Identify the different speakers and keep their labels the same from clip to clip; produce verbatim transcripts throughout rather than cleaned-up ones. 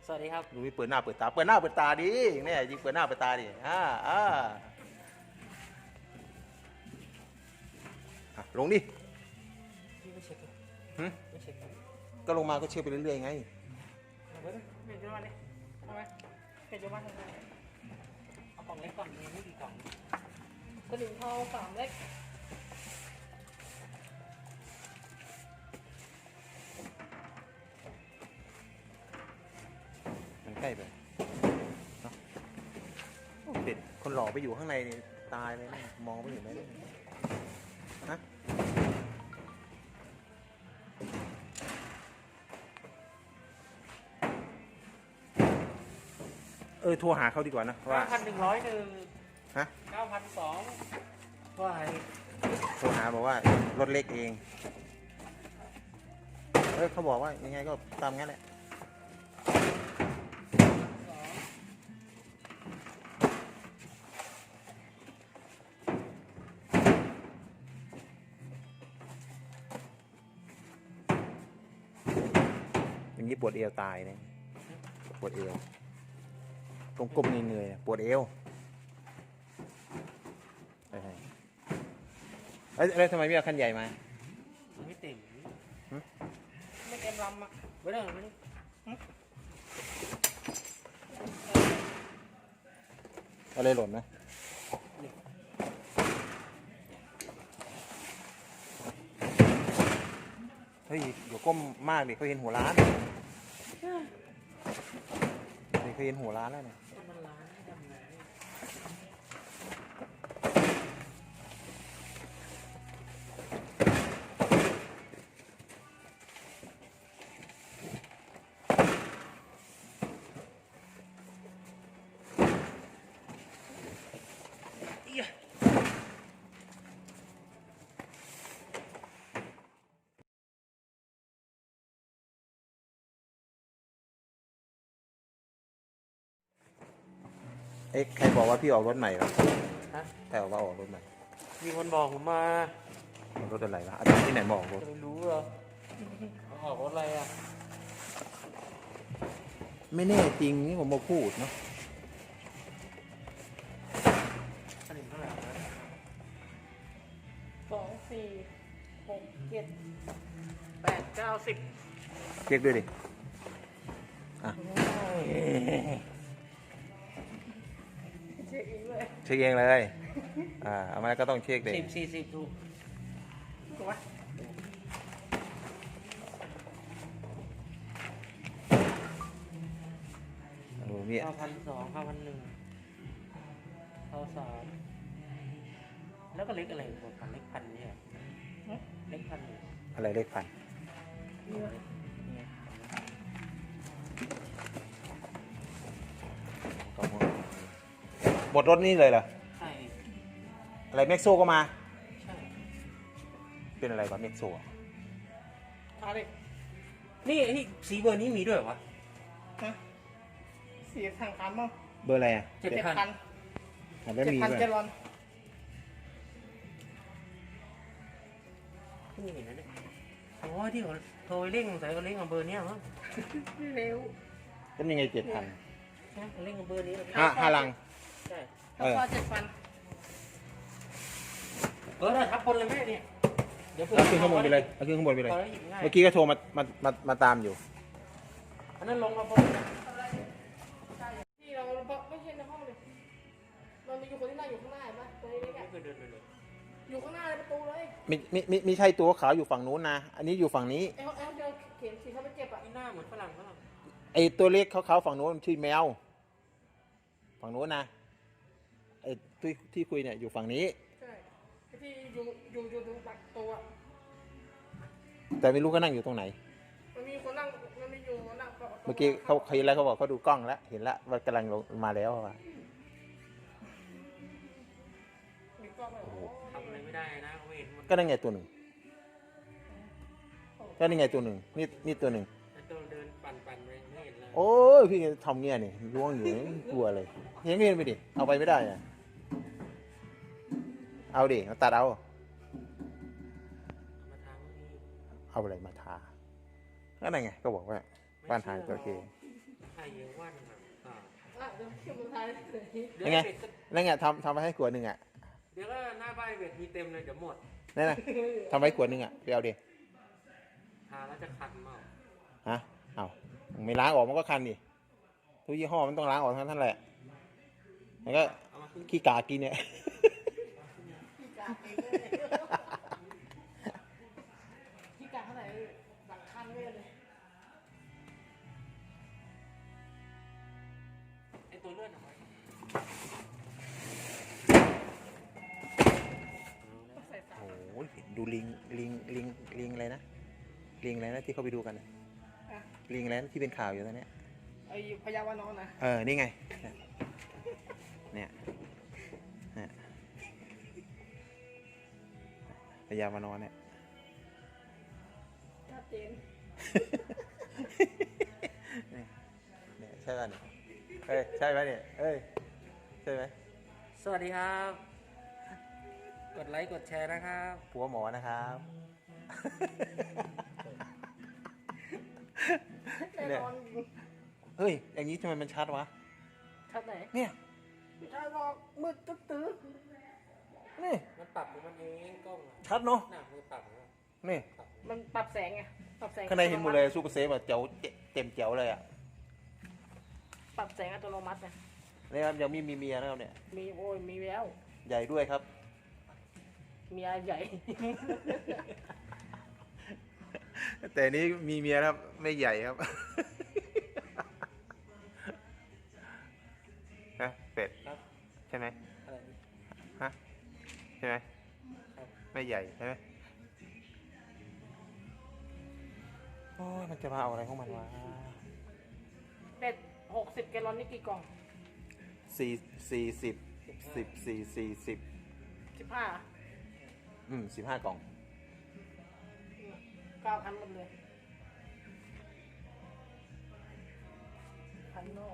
Speaker 1: สวัสดีครับ
Speaker 2: ดูเปิดหน้าเปิดตาเปิดหน้าเปิดตาดิเนี่ยยิงเปิดหน้าเปิดตาดิอ่าอ่าลงดิ
Speaker 1: พี่ไม่เช็ค
Speaker 2: หื
Speaker 1: ไม่เช็ค
Speaker 2: ก็ลงมาก็เช็คไปเรื่อยๆไง
Speaker 1: เอาไปเลยเปลี่ยนจุดมาดิเอาไหมเปลี่ยนจุดมาทำไมเอากล่องเล็กก่อนมีไม่กี่กล่องสลิงทองสามเล็ก
Speaker 2: มันใกล้ไปเนาะเด็ดคนหล่อไปอยู่ข้างในนี่ตายเลยนะมองไม่เห็นไหมฮะเออโทรหาเขาดีกว่านะว่า
Speaker 1: เก้าพันหนึ่งร้อยหนึ่ง
Speaker 2: ฮะ
Speaker 1: เก้าพันสองว่าไง
Speaker 2: โทรหาบอกว่ารถเล็กเองเออเขาบอกว่ายังไงก็ตามงั้นแหละอย่างนี้ปวดเอวตายเนี่ยปวดเอวตรงกลมเงยๆปวดเอวเอ้ยแล้วทำไมไม่เอาคันใหญ่มา
Speaker 1: ไม่เต็มไม่เต็มลำอ่ะไม่ได้ไม่ได้
Speaker 2: อะไรหล่นนะเฮ้ยเดี๋ยวก้มมากดิเขาเห็นหัวร้านเดี๋ยวเขาเห็นหัวร้านแล้วเนี่ย
Speaker 1: มันล้านดำน้
Speaker 2: เอ๊ะใครบอกว่าพี่ออกรถใหม่เหรอ
Speaker 1: ฮะ
Speaker 2: ใครบอกว่าออกรถใหม่
Speaker 1: มีคนบอกผมมา
Speaker 2: รถอะไรวะอาจารย์ที่ไหนบอกรถ
Speaker 1: จะไม่รู้เหรอออกรถอะไรอ่ะ
Speaker 2: ไม่แน่จริงนี่ผมมาพูดเนาะ
Speaker 1: สลิงเท่าไหร่สองสี่หกเจ็ดแปดเก้าสิบ
Speaker 2: เช็คด้วยดิอ่ะ
Speaker 1: เช็คเองเลย
Speaker 2: เช็คเองเลยอ่าเอามาก็ต้องเช็คดิ
Speaker 1: สิบสี่สิบถูกถูกไหม
Speaker 2: โอ้มี
Speaker 1: เก้าพันสองเก้าพันหนึ่งเก้าสามแล้วก็เล็กอะไรกว่าพันเล็กพันเนี่ยเล็กพัน
Speaker 2: อะไรเลขพันหมดรถนี่เลยเหรอ
Speaker 1: ใช่
Speaker 2: อะไรเม็กโซก็มา
Speaker 1: ใช่
Speaker 2: เป็นอะไรก่อนเม็กโซอ่ะ
Speaker 1: อะไรนี่นี่สีเบอร์นี้มีด้วยวะฮะสีทางคันมั้ง
Speaker 2: เบอร์อะไรอ่ะ
Speaker 1: เจ็ดพัน
Speaker 2: เจ็ดพัน
Speaker 1: เจรอนนี่เห็นนะเนี่ยโอ้ยที่เขาโทรเร่งใส่เขาเร่งกับเบอร์นี้มั้งเร็ว
Speaker 2: เป็นยังไงเจ็ดพัน
Speaker 1: เร่งกับเบอร์นี้
Speaker 2: ห้าห้าลัง
Speaker 1: ใช่แล้วก็เจ็ดพันเออทับบนเลยแม่เนี่ย
Speaker 2: เดี๋ยวเอาขึ้นข้างบนไปเลยเอาขึ้นข้างบนไปเลยเมื่อกี้ก็โทรมามามามาตามอยู่
Speaker 1: อันนั้นลงมาบนที่เราไม่ใช่ในห้องเลยมันมีอยู่คนที่นั่งอยู่ข้างหน้าเห็นไหมตัวนี้แค่เดินไปเลยอยู่ข้างหน้าประตูเลย
Speaker 2: มีมีมีมีใช่ตัวขาวอยู่ฝั่งนู้นนะอันนี้อยู่ฝั่งนี้
Speaker 1: เอลเอลเดินเข็นสีเขาไปเจ็บอ่ะหน้าเหมือนฝรั่งฝรั่ง
Speaker 2: ไอตัวเล็กขาวๆฝั่งนู้นชื่อแมวฝั่งนู้นนะไอที่ที่คุยเนี่ยอยู่ฝั่งนี้
Speaker 1: ใช่ที่อยู่อยู่อยู่ตรงตักตัว
Speaker 2: แต่ไม่รู้ก็นั่งอยู่ตรงไหน
Speaker 1: มันมีคนนั่งมันมีอยู่นั่ง
Speaker 2: เมื่อกี้เขาเห็นแล้วเขาบอกเขาดูกล้องแล้วเห็นแล้วว่ากำลังลงมาแล้วว่ะ
Speaker 1: ทำอะไรไม่ได้นะเขาเห็น
Speaker 2: ก็นั่นไงตัวหนึ่งก็นี่ไงตัวหนึ่งนี่นี่ตัวหนึ่ง
Speaker 1: ตัวเดินปั่นปั่นไปไม่เห็นเลย
Speaker 2: โอ้ยพี่ทำเงี้ยนี่ล้วงอยู่กลัวเลยเห็นไม่เห็นไปดิเอาไปไม่ได้อะเอาดิเอาตัดเอาเอาอะไรมาทาก็นั่นไงก็บอกว่าบ้านหางจระเข้
Speaker 1: ให้
Speaker 3: ส่เยอะวันอ่ะอ่า
Speaker 1: อ่ะเดี๋ยวเก็บมาทายเลย
Speaker 3: เดี๋ยว
Speaker 2: ยังไง
Speaker 3: เบ็ดก็
Speaker 2: นั่นไงทำทำไปให้ขวดหนึ่งอ่ะ
Speaker 3: เดี๋ยวก็หน้าบ้านเบ็ดมีเต็มเลยเดี๋ยวหมด
Speaker 2: นั่นนะทำไว้ขวดหนึ่งอ่ะไปเอาดิ
Speaker 3: ทาแล้วจะคันเมา
Speaker 2: ฮะเอาไม่ล้างออกมันก็คันดิทุกยี่ห้อมันต้องล้างออกทั้งนั้นแหละแล้วก็
Speaker 3: เอามาขึ้น
Speaker 2: ขี้กากินเนี่ย
Speaker 1: พี่กาเองเลยพี่กาเท่าไหร่หลังคันเว้ยเลย
Speaker 3: ไอตัวเลือดเอาไว้
Speaker 1: ใส่สาม
Speaker 2: โอ้ยดูลิงลิงลิงลิงอะไรนะลิงอะไรนะที่เขาไปดูกันน่ะ
Speaker 1: อ่ะ
Speaker 2: ลิงอะไรนะที่เป็นข่าวอยู่ตอนเนี้ย
Speaker 1: ไอ้พยาวานอนนะ
Speaker 2: เออนี่ไงเนี่ยเนี่ยพยามานอนเนี่ย
Speaker 1: ชัดเจน
Speaker 2: เนี่ยเนี่ยใช่ป่ะเนี่ยเอ้ยใช่ไหมเนี่ยเอ้ยใช่ไหม
Speaker 3: สวัสดีครับ กดไลค์กดแชร์นะครับ
Speaker 2: ผัวหมอนะครับ
Speaker 1: แน่นอน
Speaker 2: เฮ้ยอย่างนี้ทำไมมันชัดวะ
Speaker 1: ชัดไหน
Speaker 2: เนี่ย
Speaker 1: ไม่ใช่หรอกมืดตึ๊ดตื้อ
Speaker 2: นี่
Speaker 3: มันปรับของมันเองกล้องอะ
Speaker 2: ชัดเนาะ
Speaker 3: หน้ามือปรับนะ
Speaker 2: นี่
Speaker 3: ปรับ
Speaker 1: มันปรับแสงไงปรับแสง
Speaker 2: ข้างในเห็นหมดเลยซูเปอร์เซฟอะเจ๋วเต็มเจ๋วเลยอ่ะ
Speaker 1: ปรับแสงอัตโนมัติไง
Speaker 2: นี่ครับยังมีมีเมียนะครับเนี่ย
Speaker 1: มีโอ้ยมีแล้ว
Speaker 2: ใหญ่ด้วยครับ
Speaker 1: เมียใหญ่
Speaker 2: แต่นี้มีเมียครับไม่ใหญ่ครับ ฮะเป็ด
Speaker 3: ครับ
Speaker 2: ใช่ไหม
Speaker 3: อะไรนี่
Speaker 2: ฮะใช่ไหม
Speaker 3: ครับ
Speaker 2: ไม่ใหญ่ใช่ไหมโอ้ยมันจะมาเอาอะไรของมันวะ
Speaker 1: เป็ดหกสิบแกลลอนนี่กี่กล่อง
Speaker 2: สี่สี่สิบสิบสี่สี่สิบ
Speaker 1: สิบห้า
Speaker 2: อืมสิบห้ากล่อง
Speaker 1: เก้าพันหมดเลยพันนอก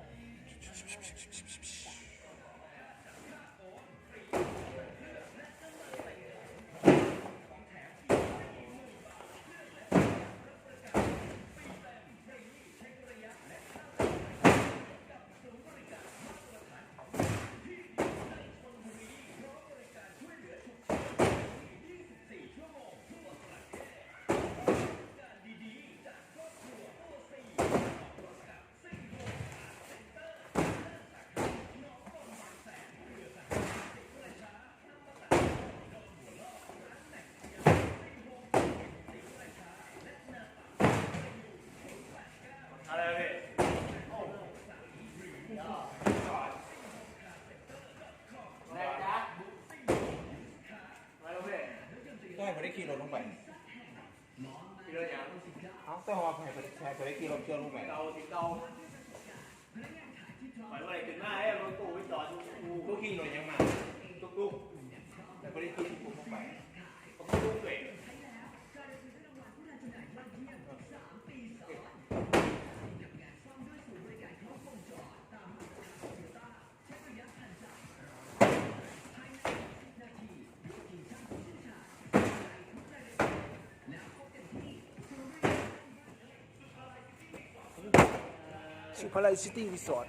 Speaker 2: ก็ให้พอได้กิโลลงไปกิโลยังเอาแต่ว่าให้พอได้ให้พอได้กิโลเชื่อลงไป
Speaker 4: เราถึงเราหมายว่าอะไรถึงหน้าไอ้รถตู้ไปจอด
Speaker 2: ลูกกิโลยังมา
Speaker 4: ตุ๊ก
Speaker 2: แต่พอได้กิโลปุ๊บลงไป
Speaker 4: ๆผมรู้เลย
Speaker 2: สุภาลัยซิตี้รีสอร์ท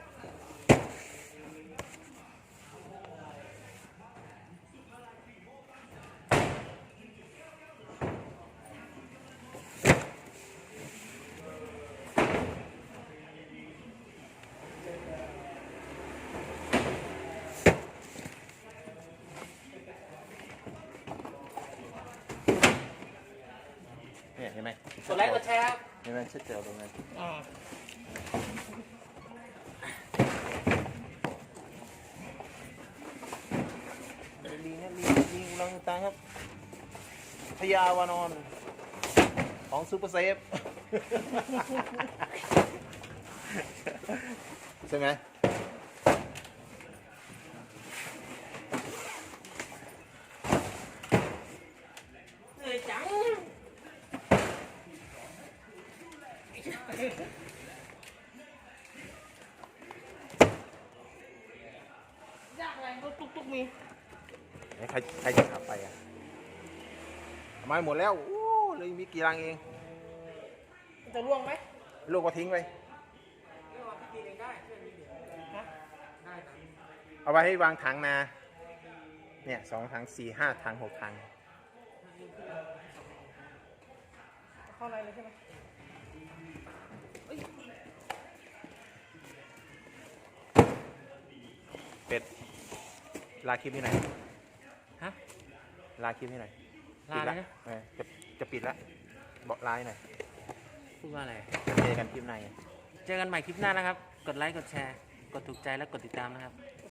Speaker 2: เนี่ยเห็นไหม
Speaker 3: กดไลค์กดแชร์ครับ
Speaker 2: เห็นไหมชัดเจนตรงไหน
Speaker 1: อ่า
Speaker 2: ลิงนะลิงลิงอุลังอุตังครับพญาวานอน ของซูเปอร์เซฟ ใช่ไหม
Speaker 1: เหนื่อยจังยากอะไรรถตุ๊กๆมี
Speaker 2: ใครใครจะขับไปอ่ะทำไมหมดแล้วโอ้เลยมีกี่รังเอง
Speaker 1: มันจะร่วงไหม
Speaker 2: ลูกก็ทิ้งไป
Speaker 3: ไม่ว่าพี่ทีเองได้ช่วยนิดเดียว
Speaker 1: นะ
Speaker 3: ได้ครับ
Speaker 2: เอาไว้ให้วางถังนาเนี่ยสองถังสี่ห้าถังหกถัง
Speaker 1: เข้าในเลยใช่ไหม
Speaker 2: เป็ดลาคลิปนี้หน่อย
Speaker 3: ฮะ
Speaker 2: ลาคลิปนี้หน่อย
Speaker 3: ลาเลยนะ
Speaker 2: เออจะจะปิดละบอกลาให้หน่อย
Speaker 3: พูดว่าอะไร
Speaker 2: จะเจอกันคลิปใน
Speaker 3: เจอกันใหม่คลิปหน้านะครับ กดไลค์ กดแชร์ กดถูกใจและกดติดตามนะครับ